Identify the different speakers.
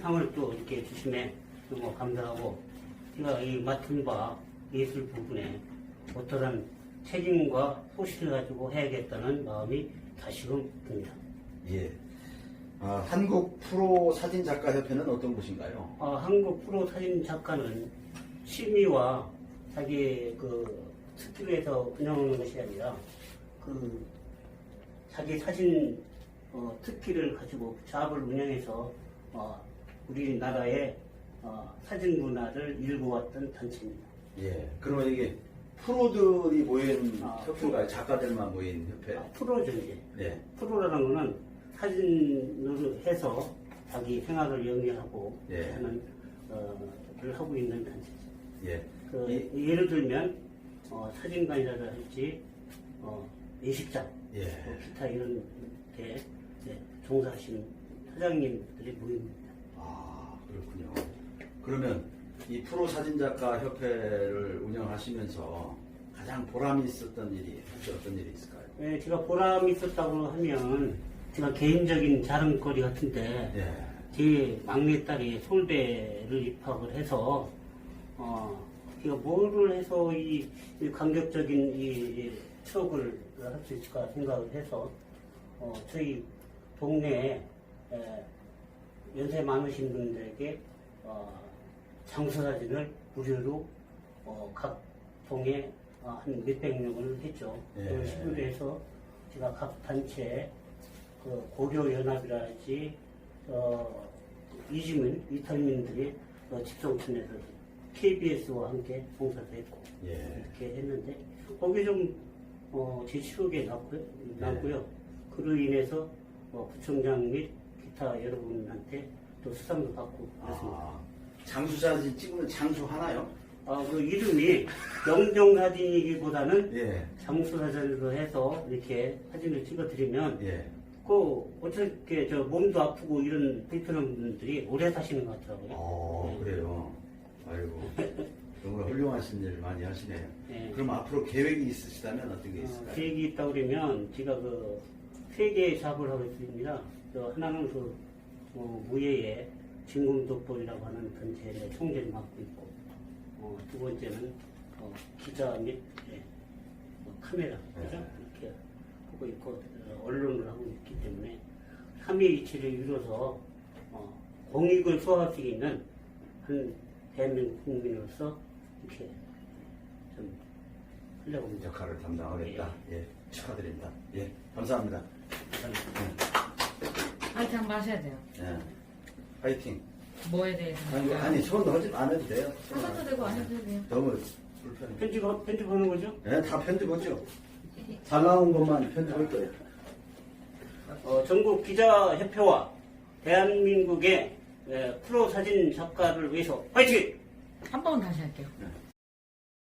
Speaker 1: 상을 또 이렇게 주심에 너무 감사하고, 제가 이 맡은 바 예술 부분에 어떠한 책임과 소신을 가지고 해야겠다는 마음이 다시금 듭니다.
Speaker 2: 예. 한국 프로 사진 작가 협회는 어떤 곳인가요?
Speaker 1: 한국 프로 사진 작가는 취미와 자기 그 스킬에서 운영하는 것이 아니라 그 자기 사진 특기를 가지고 사업을 운영해서 우리나라의 사진 문화를 일구었던 단체입니다.
Speaker 2: 예. 그러면 이게 프로들이 모인 협회인가요? 작가들만 모인 협회?
Speaker 1: 프로죠, 이제.
Speaker 2: 네.
Speaker 1: 프로라는 거는 사진을 해서 자기 생활을 영위하고
Speaker 2: 예.
Speaker 1: 하는 를 하고 있는 단체죠.
Speaker 2: 예.
Speaker 1: 예를 들면 사진관이라든지 예식장,
Speaker 2: 예.
Speaker 1: 기타 이런 데 종사하시는 사장님들이 모입니다.
Speaker 2: 그렇군요. 그러면 이 프로 사진작가 협회를 운영하시면서 가장 보람이 있었던 일이 혹시 어떤 일이 있을까요?
Speaker 1: 네, 제가 보람이 있었다고 하면 제가 개인적인 자랑거리 같은데
Speaker 2: 예.
Speaker 1: 제 막내딸이 서울대를 입학을 해서 제가 뭐를 해서 이 감격적인 이 추억을 할 수 있을까 생각을 해서 저희 동네에 연세 많으신 분들에게 장수사진을 무료로 각 동에 한 몇백 명을 했죠.
Speaker 2: 예.
Speaker 1: 그걸 시도를 해서 제가 각 단체 그 고려연합이라든지 이탈민들이 집성촌에서 KBS와 함께 봉사도 했고
Speaker 2: 예.
Speaker 1: 이렇게 했는데 거기에 좀 제 추억에 남고요. 그로 인해서 구청장 및 기타 여러분한테 또 수상도 받고 그렇습니다.
Speaker 2: 장수사진 찍으면 장수 하나요?
Speaker 1: 그 이름이 영정사진이기보다는
Speaker 2: 예.
Speaker 1: 장수사진으로 해서 이렇게 사진을 찍어드리면
Speaker 2: 예.
Speaker 1: 어떻게 몸도 아프고 이런 불편한 분들이 오래 사시는 것 같더라고요.
Speaker 2: 그래요. 아이고. 정말 훌륭하신 일 많이 하시네요.
Speaker 1: 네.
Speaker 2: 그럼 앞으로 계획이 있으시다면 어떤 게 있을까요?
Speaker 1: 계획이 있다고 그러면 제가 세 개의 작업을 하고 있습니다. 하나는 무예의 진공독볼이라고 하는 단체의 총재를 맡고 있고, 두 번째는 기자 및 카메라 그죠? 이렇게 하고 있고 언론을 하고 있기 때문에 3위일체를 이뤄서 공익을 수호할 수 있는 한 대한민국 국민으로서 이렇게 좀 하려고 합니다.
Speaker 2: 역할을 담당하겠다. 예. 축하드립니다. 예. 감사합니다.
Speaker 3: 한잔 마셔야 돼요.
Speaker 2: 예. 파이팅.
Speaker 3: 뭐에 대해서?
Speaker 2: 아니, 손 넣지 않아도 돼요.
Speaker 3: 하셔도 되고 안 해도 돼요.
Speaker 2: 너무 불편해.
Speaker 1: 편집하는 거죠?
Speaker 2: 예, 다 편집하죠. 잘 나온 것만 편집할 거예요.
Speaker 1: 전국 기자협회와 대한민국의 프로 사진 작가를 위해서 화이팅!
Speaker 3: 한 번 다시 할게요.
Speaker 2: 네.